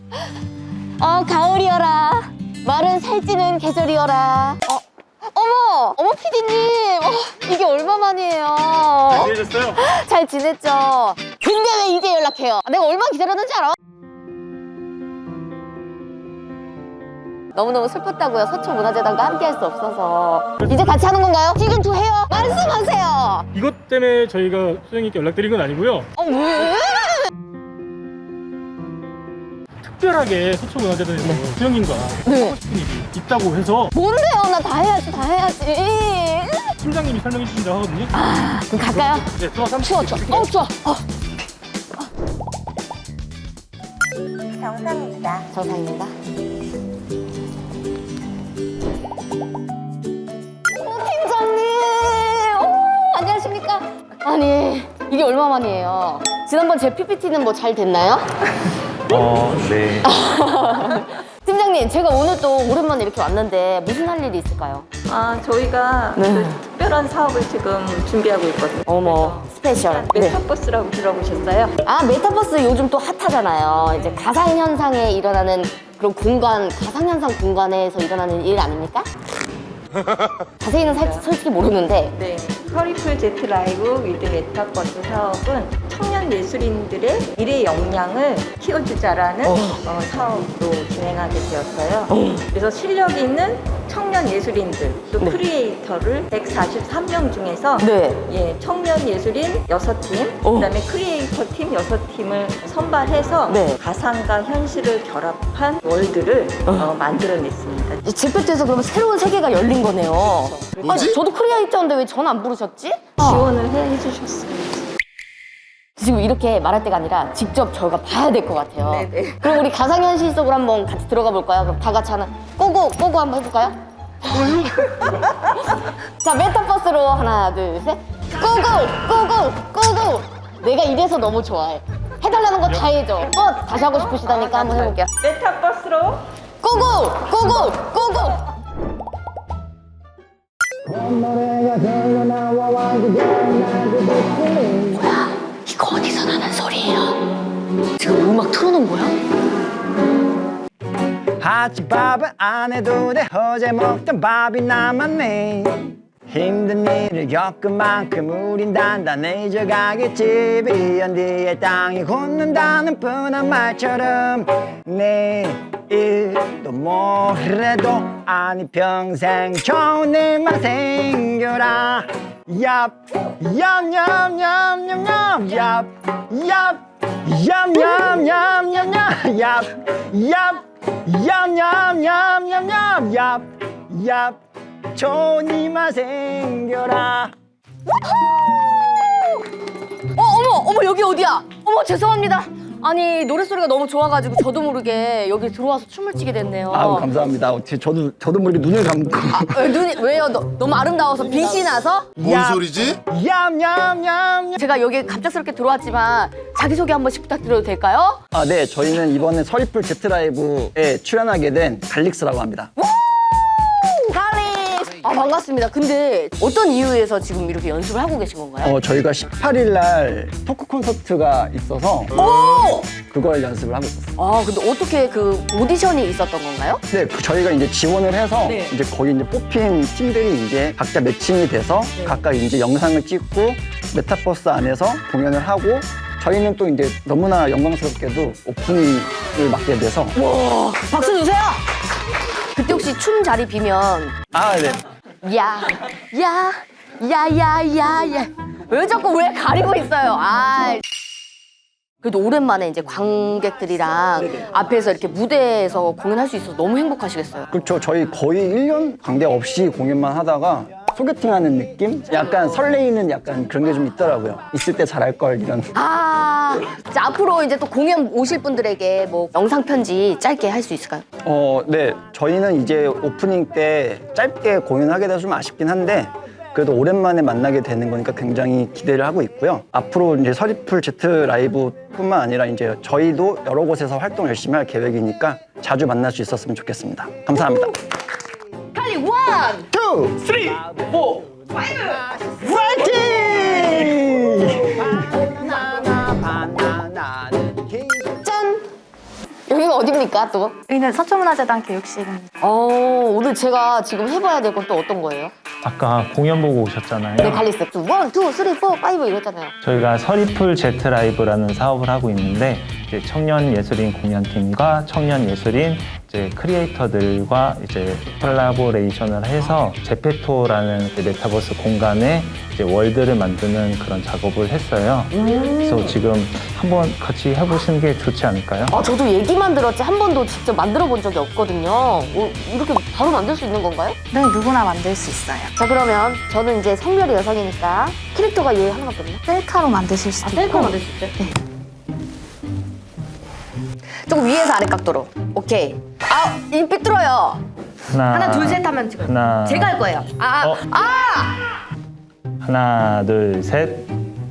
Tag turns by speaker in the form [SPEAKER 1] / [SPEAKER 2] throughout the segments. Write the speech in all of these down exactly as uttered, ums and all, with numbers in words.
[SPEAKER 1] 어, 가을이여라. 마른 살찌는 계절이여라. 어, 어머! 어머, 피디님! 어, 이게 얼마만이에요?
[SPEAKER 2] 잘 지내셨어요?
[SPEAKER 1] 잘 지냈죠? 근데 왜 이제 연락해요? 내가 얼마나 기다렸는지 알아? 너무너무 슬펐다고요. 서초문화재단과 함께 할 수 없어서. 이제 같이 하는 건가요? 시즌투 해요? 말씀하세요!
[SPEAKER 2] 이것 때문에 저희가 소장님께 연락드린 건 아니고요.
[SPEAKER 1] 어, 왜?
[SPEAKER 2] 특별하게 서초문화재단에서 소장님과
[SPEAKER 1] 네.
[SPEAKER 2] 하고 싶은 일이 있다고 해서
[SPEAKER 1] 뭔데요? 나 다 해야지, 다 해야지.
[SPEAKER 2] 팀장님이 설명해 주신다고 하거든요.
[SPEAKER 1] 아, 그럼 갈까요?
[SPEAKER 2] 네, 들어와서 한번
[SPEAKER 1] 추워, 추워. 어, 추워. 어.
[SPEAKER 3] 정상입니다.
[SPEAKER 1] 정상입니다. 어, 팀장님! 오, 안녕하십니까? 아니, 이게 얼마만이에요? 지난번 제 피피티는 뭐 잘 됐나요?
[SPEAKER 4] 어, 네.
[SPEAKER 1] 팀장님, 제가 오늘 또 오랜만에 이렇게 왔는데 무슨 할 일이 있을까요?
[SPEAKER 3] 아, 저희가
[SPEAKER 1] 네.
[SPEAKER 3] 그 특별한 사업을 지금 준비하고 있거든요.
[SPEAKER 1] 어머, 스페셜. 네.
[SPEAKER 3] 메타버스라고 들어보셨어요?
[SPEAKER 1] 아, 메타버스 요즘 또 핫하잖아요. 이제 가상현상에 일어나는 그런 공간, 가상현상 공간에서 일어나는 일 아닙니까? 자세히는 살, 솔직히 모르는데.
[SPEAKER 3] 네. 서리풀 제트 라이브 위드 메타버스 사업은 청년 예술인들의 미래 역량을 키워주자라는
[SPEAKER 1] 어.
[SPEAKER 3] 어, 사업으로 진행하게 되었어요. 그래서 실력 있는 청년 예술인들 또
[SPEAKER 1] 네.
[SPEAKER 3] 크리에이터를 백사십삼 명 중에서
[SPEAKER 1] 네.
[SPEAKER 3] 예, 청년 예술인 여섯 팀,
[SPEAKER 1] 어.
[SPEAKER 3] 그다음에 크리에이터 팀 여섯 팀을 선발해서
[SPEAKER 1] 네.
[SPEAKER 3] 가상과 현실을 결합한 월드를 어, 만들어냈습니다.
[SPEAKER 1] 이제 제페트에서 그러면 새로운 세계가 열린 거네요.
[SPEAKER 3] 그렇죠.
[SPEAKER 1] 아니, 저도 크리에이터인데 왜 전 안 부르셨지?
[SPEAKER 3] 지원을 해, 해주셨습니다.
[SPEAKER 1] 지금 이렇게 말할 때가 아니라 직접 저희가 봐야 될 것 같아요.
[SPEAKER 3] 네네.
[SPEAKER 1] 그럼 우리 가상현실 속으로 한번 같이 들어가 볼까요? 그럼 다 같이 하나 꼬고 꼬고 한번 해볼까요? 자, 메타버스로 하나 둘 셋 꼬고 꼬고 꼬고. 내가 이래서 너무 좋아해. 해달라는 거 다 해줘. 또 다시 하고 싶으시다니까 한번 해볼게요.
[SPEAKER 3] 메타버스로
[SPEAKER 1] 꼬고 꼬고 꼬고. 뭐야? 이거 어디서 나는 소리예요? 지금 음악 틀어놓은 거야?
[SPEAKER 4] 아침밥은 안 해도 돼. 어제 먹던 밥이 남았네. 힘든 일을 겪은 만큼 우린 단단해져 가겠지. 비온 뒤에 땅이 굳는다는 뻔한 말처럼 내일도 모레도 아니 평생 좋은 일만 생겨라. 얍 얌얌얌얌얌 얍 얍 얌얌얌얌얌 얍 얍 얌얌얌얌얌 얍 얍 좋은 일만 생겨라.
[SPEAKER 1] 어, 어머, 어머, 여기 어디야? 어머, 죄송합니다. 아니, 노랫소리가 너무 좋아가지고 저도 모르게 여기 들어와서 춤을 추게 됐네요.
[SPEAKER 4] 아우 감사합니다. 어떻게 저도 저도 모르게 눈을 감고.
[SPEAKER 1] 아, 왜 눈이, 왜요? 너, 너무 아름다워서 빛이 나서?
[SPEAKER 5] 뭔 소리지?
[SPEAKER 4] 얌얌얌.
[SPEAKER 1] 제가 여기 갑작스럽게 들어왔지만 자기소개 한 번씩 부탁드려도 될까요?
[SPEAKER 4] 아, 네, 저희는 이번에 서리풀 제트라이브에 출연하게 된 갈릭스라고 합니다.
[SPEAKER 1] 갈릭! 아, 반갑습니다. 근데 어떤 이유에서 지금 이렇게 연습을 하고 계신 건가요?
[SPEAKER 4] 어, 저희가 십팔 일 날 토크 콘서트가 있어서
[SPEAKER 1] 오!
[SPEAKER 4] 그걸 연습을 하고 있었어요.
[SPEAKER 1] 아, 근데 어떻게 그 오디션이 있었던 건가요?
[SPEAKER 4] 네, 그 저희가 이제 지원을 해서
[SPEAKER 1] 네.
[SPEAKER 4] 이제 거기 이제 뽑힌 팀들이 이제 각자 매칭이 돼서
[SPEAKER 1] 네.
[SPEAKER 4] 각각 이제 영상을 찍고 메타버스 안에서 공연을 하고 저희는 또 이제 너무나 영광스럽게도 오프닝을 맡게 돼서
[SPEAKER 1] 와, 박수 주세요! 그때 혹시 춤 자리 비면
[SPEAKER 4] 아, 네.
[SPEAKER 1] 야, 야, 야, 야, 야, 야. 왜 자꾸 왜 가리고 있어요? 아. 그래도 오랜만에 이제 관객들이랑 앞에서 이렇게 무대에서 공연할 수 있어서 너무 행복하시겠어요.
[SPEAKER 4] 그렇죠. 저희 거의 일 년 관계 없이 공연만 하다가 소개팅하는 느낌? 약간 설레이는 약간 그런 게 좀 있더라고요. 있을 때 잘할 걸 이런.
[SPEAKER 1] 아, 자, 앞으로 이제 또 공연 오실 분들에게 뭐 영상 편지 짧게 할 수 있을까요?
[SPEAKER 4] 어, 네. 저희는 이제 오프닝 때 짧게 공연하게 돼서 좀 아쉽긴 한데 그래도 오랜만에 만나게 되는 거니까 굉장히 기대를 하고 있고요. 앞으로 이제 서리풀 제트 라이브뿐만 아니라 이제 저희도 여러 곳에서 활동 열심히 할 계획이니까 자주 만날 수 있었으면 좋겠습니다. 감사합니다.
[SPEAKER 1] 칼리 원!
[SPEAKER 4] 투, 쓰리, 포, 파이브! 화이팅!
[SPEAKER 1] 짠! 여기가 어딥니까 또?
[SPEAKER 5] 여기는 서초문화재단 교육실입니다.
[SPEAKER 1] 어, 오늘 제가 지금 해봐야 될 건 또 어떤 거예요?
[SPEAKER 6] 아까 공연 보고 오셨잖아요.
[SPEAKER 1] 네, 갈리스. 원, 투, 쓰리, 포, 파이브 이랬잖아요.
[SPEAKER 6] 저희가 서리풀 제트 라이브라는 사업을 하고 있는데 이제 청년 예술인 공연팀과 청년 예술인 이제 크리에이터들과 이제 콜라보레이션을 해서 제페토라는 메타버스 공간에 이제 월드를 만드는 그런 작업을 했어요. 그래서 지금 한번 같이 해보시는 게 좋지 않을까요?
[SPEAKER 1] 아, 저도 얘기만 들었지 한 번도 직접 만들어 본 적이 없거든요. 어, 이렇게 바로 만들 수 있는 건가요?
[SPEAKER 5] 네, 누구나 만들 수 있어요.
[SPEAKER 1] 자, 그러면 저는 이제 성별이 여성이니까 캐릭터가 얘 하나밖에 없나?
[SPEAKER 5] 셀카로 만드실 수도
[SPEAKER 1] 아,
[SPEAKER 5] 있고.
[SPEAKER 1] 셀카 만들 수 있어요? 네. 조금 위에서 아래 각도로. 오케이. 아, 이 삐뚤어요.
[SPEAKER 6] 하나,
[SPEAKER 1] 하나, 둘, 셋 하면 지금.
[SPEAKER 6] 하나,
[SPEAKER 1] 제가 할 거예요. 아,
[SPEAKER 6] 어.
[SPEAKER 1] 아!
[SPEAKER 6] 하나, 둘, 셋.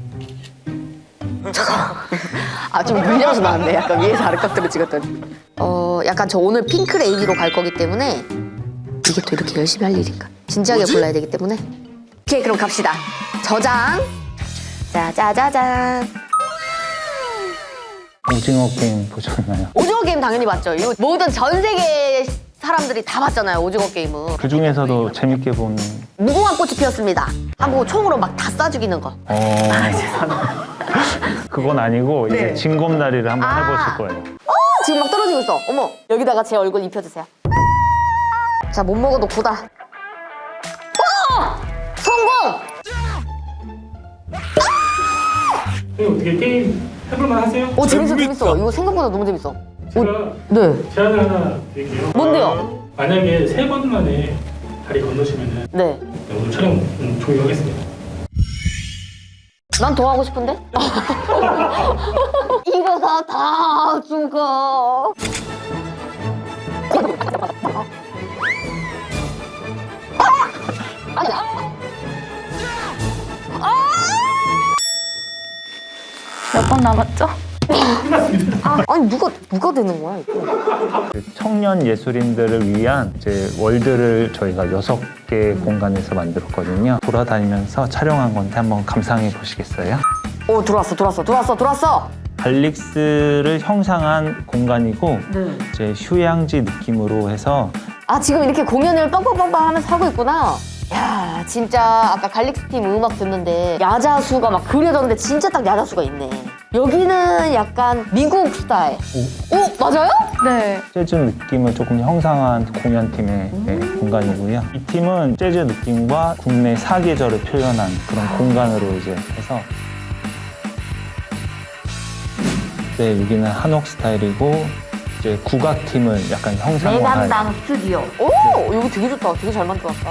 [SPEAKER 1] 아, 좀 물려서 나왔네. 약간 위에서 아래 각도로 찍었더니. 어, 약간 저 오늘 핑크 레이디로 갈 거기 때문에 이게 또 이렇게 열심히 할 일인가? 진지하게 골라야 되기 때문에. 오케이, 그럼 갑시다. 저장. 짜자자잔.
[SPEAKER 6] 오징어 게임 보셨나요?
[SPEAKER 1] 오징어 게임 당연히 봤죠. 이거 모든 전 세계 사람들이 다 봤잖아요. 오징어 게임은.
[SPEAKER 6] 그 중에서도 재밌게 본.
[SPEAKER 1] 무궁화 꽃이 피었습니다. 하고 총으로 막 다 쏴 죽이는 거.
[SPEAKER 6] 어. 그건 아니고 이제
[SPEAKER 1] 네.
[SPEAKER 6] 징검다리를 한번
[SPEAKER 1] 아.
[SPEAKER 6] 해보실 거예요.
[SPEAKER 1] 어, 지금 막 떨어지고 있어. 어머, 여기다가 제 얼굴 입혀주세요. 자, 못 먹어도 고다. 어! 성공!
[SPEAKER 2] 형님 어떻게 게임 해볼만 하세요?
[SPEAKER 1] 오, 재밌어, 재밌어. 이거 생각보다 너무 재밌어.
[SPEAKER 2] 제가
[SPEAKER 1] 네.
[SPEAKER 2] 제안을 하나 드릴게요.
[SPEAKER 1] 뭔데요?
[SPEAKER 2] 어, 만약에 세 번 만에 다리 건너시면은
[SPEAKER 1] 네.
[SPEAKER 2] 오늘 촬영 음, 종료하겠습니다.
[SPEAKER 1] 난 더 하고 싶은데? 이러다 다 죽어. 아! 아니야.
[SPEAKER 5] 몇 번 남았죠?
[SPEAKER 1] 아니, 누가, 누가 되는 거야, 이거?
[SPEAKER 6] 그 청년 예술인들을 위한 이제 월드를 저희가 여섯 개 공간에서 만들었거든요. 돌아다니면서 촬영한 건데 한번 감상해 보시겠어요?
[SPEAKER 1] 오, 들어왔어, 들어왔어, 들어왔어, 들어왔어!
[SPEAKER 6] 갈릭스를 형상한 공간이고
[SPEAKER 1] 네.
[SPEAKER 6] 이제 휴양지 느낌으로 해서
[SPEAKER 1] 아, 지금 이렇게 공연을 빵빵빵빵 하면서 하고 있구나. 야, 진짜 아까 갈릭스 팀 음악 듣는데 야자수가 막 그려졌는데 진짜 딱 야자수가 있네. 여기는 약간 미국 스타일. 오, 맞아요?
[SPEAKER 5] 네.
[SPEAKER 6] 재즈 느낌을 조금 형상한 공연팀의 네, 공간이고요. 이 팀은 재즈 느낌과 국내 사계절을 표현한 그런 공간으로 이제 해서 네, 여기는 한옥 스타일이고 이제 국악팀을 약간 형상화한
[SPEAKER 1] 내담당 스튜디오. 오, 여기 되게 좋다. 되게 잘 만들었다.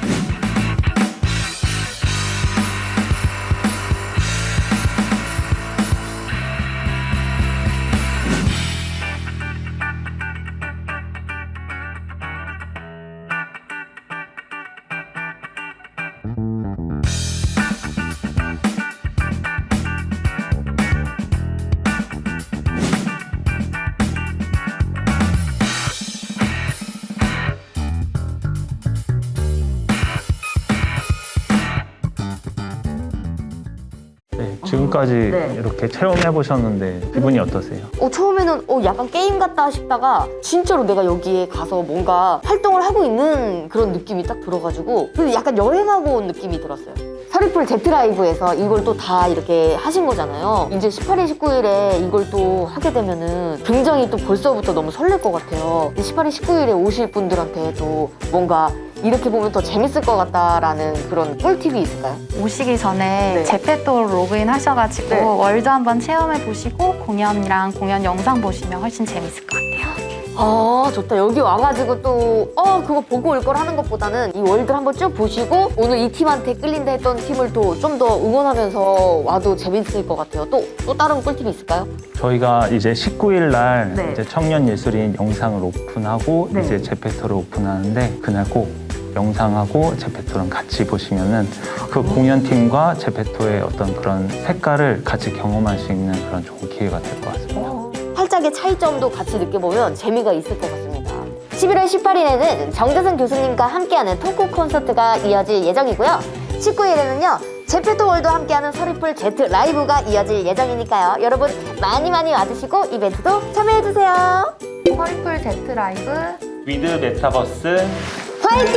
[SPEAKER 6] 네, 지금까지
[SPEAKER 1] 네.
[SPEAKER 6] 이렇게 체험해 보셨는데 기분이 어떠세요?
[SPEAKER 1] 어, 처음에는 어, 약간 게임 같다 싶다가 진짜로 내가 여기에 가서 뭔가 활동을 하고 있는 그런 느낌이 딱 들어가지고 그리고 약간 여행하고 온 느낌이 들었어요. 서리풀 제트라이브에서 이걸 또 다 이렇게 하신 거잖아요. 이제 십팔 일, 십구 일에 이걸 또 하게 되면은 굉장히 또 벌써부터 너무 설렐 것 같아요. 십팔 일, 십구 일에 오실 분들한테 또 뭔가 이렇게 보면 더 재밌을 것 같다라는 그런 꿀팁이 있을까요?
[SPEAKER 5] 오시기 전에
[SPEAKER 1] 네.
[SPEAKER 5] 제페토로 로그인 하셔가지고
[SPEAKER 1] 네.
[SPEAKER 5] 월드 한번 체험해 보시고 공연이랑 공연 영상 보시면 훨씬 재밌을 것 같아요.
[SPEAKER 1] 아, 좋다. 여기 와가지고 또, 어, 그거 보고 올 걸 하는 것보다는 이 월드 한번 쭉 보시고 오늘 이 팀한테 끌린다 했던 팀을 또 좀 더 응원하면서 와도 재밌을 것 같아요. 또, 또 다른 꿀팁이 있을까요?
[SPEAKER 6] 저희가 이제 십구 일 날
[SPEAKER 1] 네.
[SPEAKER 6] 이제 청년 예술인 영상을 오픈하고
[SPEAKER 1] 네.
[SPEAKER 6] 이제 제페토를 오픈하는데 그날 꼭 영상하고 제페토랑 같이 보시면은 그 공연팀과 제페토의 어떤 그런 색깔을 같이 경험할 수 있는 그런 좋은 기회가 될 것 같습니다.
[SPEAKER 1] 활짝의 차이점도 같이 느껴보면 재미가 있을 것 같습니다. 십일월 십팔 일에는 정재승 교수님과 함께하는 토크 콘서트가 이어질 예정이고요. 십구 일에는요. 제페토월드와 함께하는 서리풀 제트 라이브가 이어질 예정이니까요. 여러분 많이 많이 와주시고 이벤트도 참여해주세요.
[SPEAKER 5] 서리풀 제트 라이브
[SPEAKER 6] 위드 메타버스
[SPEAKER 1] 화이팅!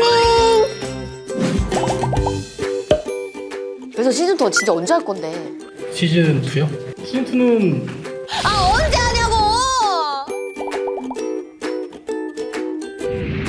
[SPEAKER 1] 그래서 시즌 투 진짜 언제 할 건데?
[SPEAKER 2] 시즌 이요? 시즌 이는
[SPEAKER 1] 아 언제 하냐고!